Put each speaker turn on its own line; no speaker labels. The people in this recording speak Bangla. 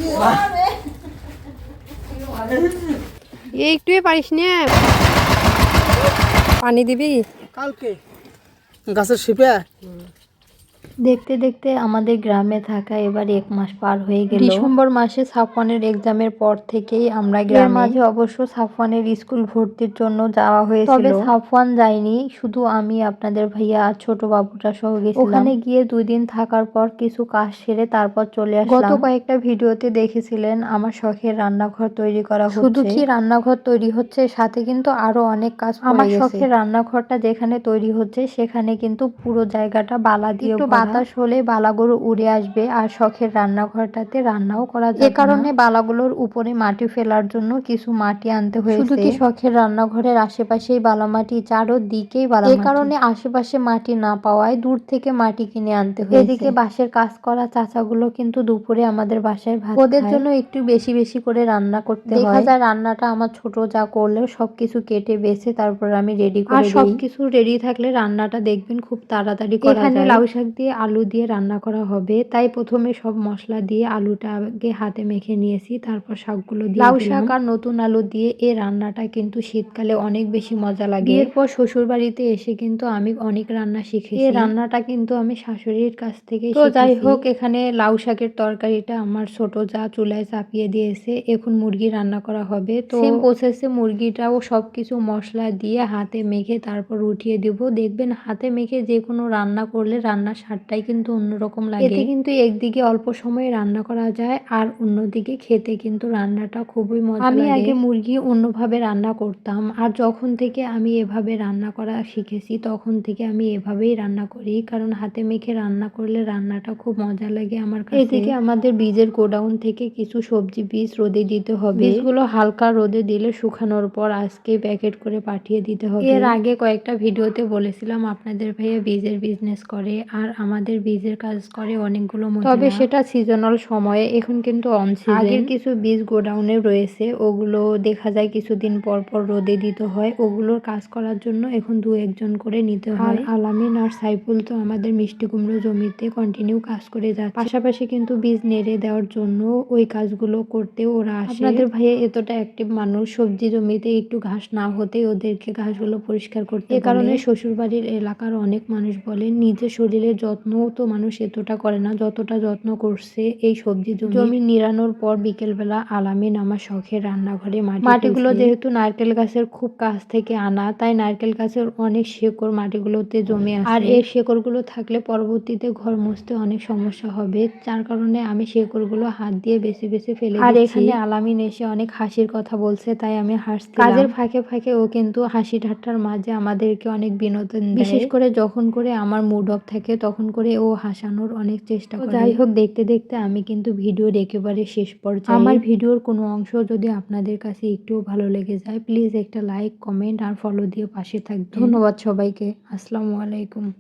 একটুই পারিস না, পানি দিবি
কালকে গাছের শিপে।
দেখতে দেখতে আমাদের গ্রামে থাকা এবার 1 মাস পার হয়ে গেল। ডিসেম্বর মাসে সাফওয়ানের এক্সামের পর থেকেই আমরা গ্রামে। মাঝে অবশ্য সাফওয়ানের স্কুল ভর্তির জন্য যাওয়া হয়েছিল, তবে সাফওয়ান যায়নি, শুধু আমি, আপনাদের ভাইয়া আর ছোট বাবুটা সহ গেছিলাম। ওখানে গিয়ে 2 দিন থাকার পর কিছু কাজ সেরে তারপর চলে আসলাম। গত কয়েকটা ভিডিওতে দেখেছিলেন আমার শখের রান্নাঘর তৈরি করা হচ্ছে। শুধু কি রান্নাঘর তৈরি হচ্ছে, সাথে কিন্তু আরো অনেক কাজ পড়ে গেছে। আমার শখের রান্নাঘরটা যেখানে তৈরি হচ্ছে সেখানে কিন্তু পুরো জায়গাটা বালা দিয়ে বাতাস হলে বালাগুলো উড়ে আসবে, আর শখের রান্নাঘরটাতে রান্নাও করা যাবে। এ কারণে বালাগুলোর উপরে মাটি ফেলার জন্য কিছু মাটি আনতে হয়েছে। শুধু কি শখের রান্নাঘরের আশেপাশেই বালা মাটি, চারদিকেই বালা মাটি। এ কারণে আশেপাশে মাটি না পাওয়ায় দূর থেকে মাটি কিনে আনতে হয়েছে। এদিকে বাঁশের কাজ করা চাচাগুলো কিন্তু দুপুরে আমাদের বাসায় ভাত খায়। ওদের জন্য একটু বেশি বেশি করে রান্না করতে হয়। দেখা যায় রান্নাটা আমার ছোট যা করলে সবকিছু কেটে বেছে তারপর আমি রেডি করে দিই। আর সবকিছু রেডি থাকলে রান্নাটা দেখবেন খুব তাড়াতাড়ি করা যায়। এখানে লাউ শাক দিয়ে আলু দিয়ে রান্না করা হবে, তাই প্রথমে সব মশলা দিয়ে আলুটা আগে হাতে মেখে নিয়েছি, তারপর শাকগুলো দিয়ে লাউ শাক আর নতুন আলু দিয়ে এই রান্নাটা কিন্তু শীতকালে অনেক বেশি মজা লাগে। এরপর শ্বশুর বাড়িতে এসে কিন্তু আমি অনেক রান্না শিখেছি। এই রান্নাটা কিন্তু আমি শাশুড়ির কাছ থেকে শিখেছি। তো যাই হোক, এখানে লাউ শাকের তরকারিটা আমার ছোট যা চুলায় চাপিয়ে দিয়েছে, এখন মুরগি রান্না করা হবে। তো সেম প্রসেসে মুরগিটাও সবকিছু মশলা দিয়ে হাতে মেখে তারপর উঠিয়ে দিব। দেখবেন হাতে মেখে যে কোনো রান্না করলে রান্নার স্বাদটাই কিন্তু অন্যরকম লাগে। এতে কিন্তু একদিকে অল্প সময়ে রান্না করা যায় আর অন্যদিকে খেতে কিন্তু রান্নাটা খুবই মজা লাগে। আমি আগে মুরগি অন্যভাবে রান্না করতাম, আর যখন থেকে আমি এভাবে রান্না করা শিখেছি তখন থেকে আমি এভাবেই রান্না করি, কারণ হাতে মেখে রান্না করলে রান্নাটা খুব মজা লাগে আমার কাছে। এদিকে আমাদের বীজের গোডাউন থেকে কিছু সবজি বীজ রোদে দিতে হবে। বীজগুলো হালকা রোদে দিলে শুকানোর পর আজকে প্যাকেট করে পাঠিয়ে দিতে হবে। এর আগে কয়েকটা ভিডিওতে বলেছিলাম আপনাদের ভাইয়া বীজের বিজনেস করে, আর আমাদের বীজের কাজ করে অনেকগুলো মহিলা, তবে সেটা সিজনাল সময়ে, এখন কিন্তু অন সিজন। আগের কিছু বীজ গোডাউনে রয়েছে, ওগুলো দেখা যায় কিছুদিন পর পর রোদে দিতে হয়, ওগুলোর কাজ করার জন্য এখন 2-1 জন করে নিতে হয়। আর আলামিন আর সাইফুল তো আমাদের মিষ্টি কুমড়ো জমিতে কন্টিনিউ কাজ করে যাচ্ছে, পাশাপাশি কিন্তু বীজ নেড়ে দেওয়ার জন্য ওই কাজগুলো করতে ওরা আসে। আপনাদের ভাইয়া এতটা অ্যাক্টিভ মানুষ, সবজি জমিতে একটু ঘাস না হতেই ওদেরকে ঘাসগুলো পরিষ্কার করতে বলে। এ কারণে শ্বশুরবাড়ির এলাকার অনেক মানুষ বলেন নিজের শরীরের যত্নও তো মানুষ এতটা করে না যতটা যত্ন করছে এই সবজি জমি নিড়ানোর পর বিকেলবেলা আলামিন আমার শখের রান্নাঘরে মাটিগুলো যেহেতু নারকেল গাছের খুব কাছ থেকে আনা, তাই নারকেল গাছের অনেক শেকড় মাটিগুলোতে জমে আছে, আর এই শেকড়গুলো থাকলে পরবর্তীতে ঘর মুছতে অনেক সমস্যা হবে, যার কারণে আমি শেকড়গুলো হাত দিয়ে বেছে বেছে ফেলে দিচ্ছি। আর এখানে আলামিন এসে অনেক হাসির কথা বলছে, তাই আমি হাসছিলাম। কাজের ফাঁকে ফাঁকে ও কিন্তু হাসি ঠাট্টার মাঝে আমাদেরকে অনেক বিনোদন দেয়, বিশেষ করে যখন করে আমার মুড অফ থাকে তখন করে ও হাসানোর অনেক চেষ্টা করে। যাই হোক, দেখতে দেখতে আমি কিন্তু ভিডিওর একেবারে শেষ পর্যায়ে। আমার ভিডিওর কোনো অংশ যদি আপনাদের কাছে একটুও ভালো লেগে যায়, প্লিজ একটা লাইক, কমেন্ট আর ফলো দিয়ে পাশে থাকবেন। ধন্যবাদ সবাইকে। আসসালামু আলাইকুম।